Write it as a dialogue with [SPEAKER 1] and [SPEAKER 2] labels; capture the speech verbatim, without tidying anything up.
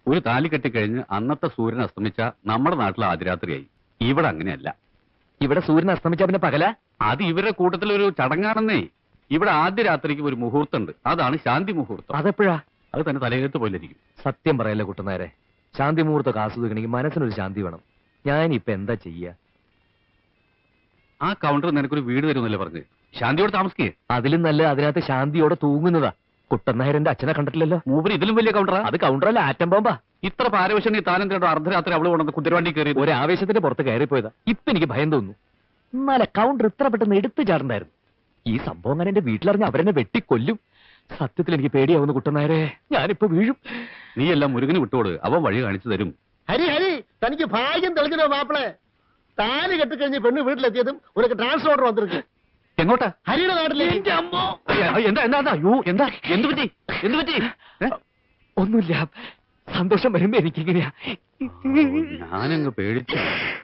[SPEAKER 1] ഒരു താലി കെട്ടിക്കഴിഞ്ഞ് അന്നത്തെ സൂര്യൻ അസ്തമിച്ച നമ്മുടെ നാട്ടിൽ ആദ്യരാത്രിയായി. ഇവിടെ അങ്ങനെയല്ല.
[SPEAKER 2] ഇവിടെ സൂര്യൻ അസ്തമിച്ച പിന്നെ പകല?
[SPEAKER 1] അത് ഇവരുടെ കൂട്ടത്തിലൊരു ചടങ്ങാണെന്നേ. ഇവിടെ ആദ്യ രാത്രിക്ക് ഒരു മുഹൂർത്തമുണ്ട്. അതാണ് ശാന്തി മുഹൂർത്തം.
[SPEAKER 2] അതെപ്പോഴാ?
[SPEAKER 1] അത് തന്നെ തലയെഴുത്ത് പോലിരിക്കും.
[SPEAKER 2] സത്യം പറയല്ലേ കുട്ടനായരെ, ശാന്തി മുഹൂർത്തമൊക്കെ ആസ്വദിക്കണമെങ്കിൽ മനസ്സിനൊരു ശാന്തി വേണം. ഞാനിപ്പോ എന്താ ചെയ്യാ?
[SPEAKER 1] ആ കൗണ്ടർ നിനക്കൊരു വീട് തരുമെന്നല്ലേ പറഞ്ഞ്? ശാന്തിയോടെ താമസിക്കേ.
[SPEAKER 2] അതിലും നല്ല അതിനകത്ത് ശാന്തിയോടെ തൂങ്ങുന്നതാ. കുട്ടനായരന്റെ അച്ഛനെ കണ്ടിട്ടില്ലല്ലോ.
[SPEAKER 1] മൂപ്പര് ഇതിലും വലിയ കൗണ്ടറാ.
[SPEAKER 2] അത് കൗണ്ടറല്ല, ആറ്റം ബോംബാ.
[SPEAKER 1] ഇത്ര പാരവശ്യം നീ താനം കേട്ടോ അർദ്ധരാത്രി അവള് കൊണ്ടു കുതിരവണ്ടി കയറി
[SPEAKER 2] ഒരു ആവേശത്തിന്റെ പുറത്ത് കയറിപ്പോയതാ. ഇപ്പൊ എനിക്ക് ഭയം തോന്നുന്നു. എന്നാലെ കൗണ്ടർ ഇത്ര പെട്ടെന്ന് എടുത്തു ചാടണ്ടായിരുന്നു. ഈ സംഭവം ഞാൻ എന്റെ വീട്ടിലറിഞ്ഞ് അവരെന്നെ വെട്ടിക്കൊല്ലും. സത്യത്തിൽ എനിക്ക് പേടിയാവുന്നു കുട്ടനായരെ, ഞാനിപ്പോ വീഴും.
[SPEAKER 1] നീ എല്ലാം മുരുകന് വിട്ടോട്, അവൻ വഴി കാണിച്ചു തരും.
[SPEAKER 3] ഹരി ഹരി, തനിക്ക് ഭാഗ്യം തെളിഞ്ഞോ മാപ്പിളെ? താലി കെട്ടിക്കഴിഞ്ഞ് പെണ്ണ് വീട്ടിലെത്തിയതും ഉനക്ക് ട്രാൻസ്ഫർ ഓർഡർ വന്നിരിക്കും.
[SPEAKER 1] എങ്ങോട്ടാ?
[SPEAKER 3] ഹരിയുടെ നാട്ടിലേക്ക്.
[SPEAKER 1] എന്താ എന്താ അയ്യോ എന്താ എന്ത് പറ്റി എന്ത് പറ്റി?
[SPEAKER 2] ഒന്നുമില്ല, സന്തോഷം വരുമ്പോ എനിക്കിങ്ങനെയാ.
[SPEAKER 1] ഞാനങ്ങ് പേടിച്ചു.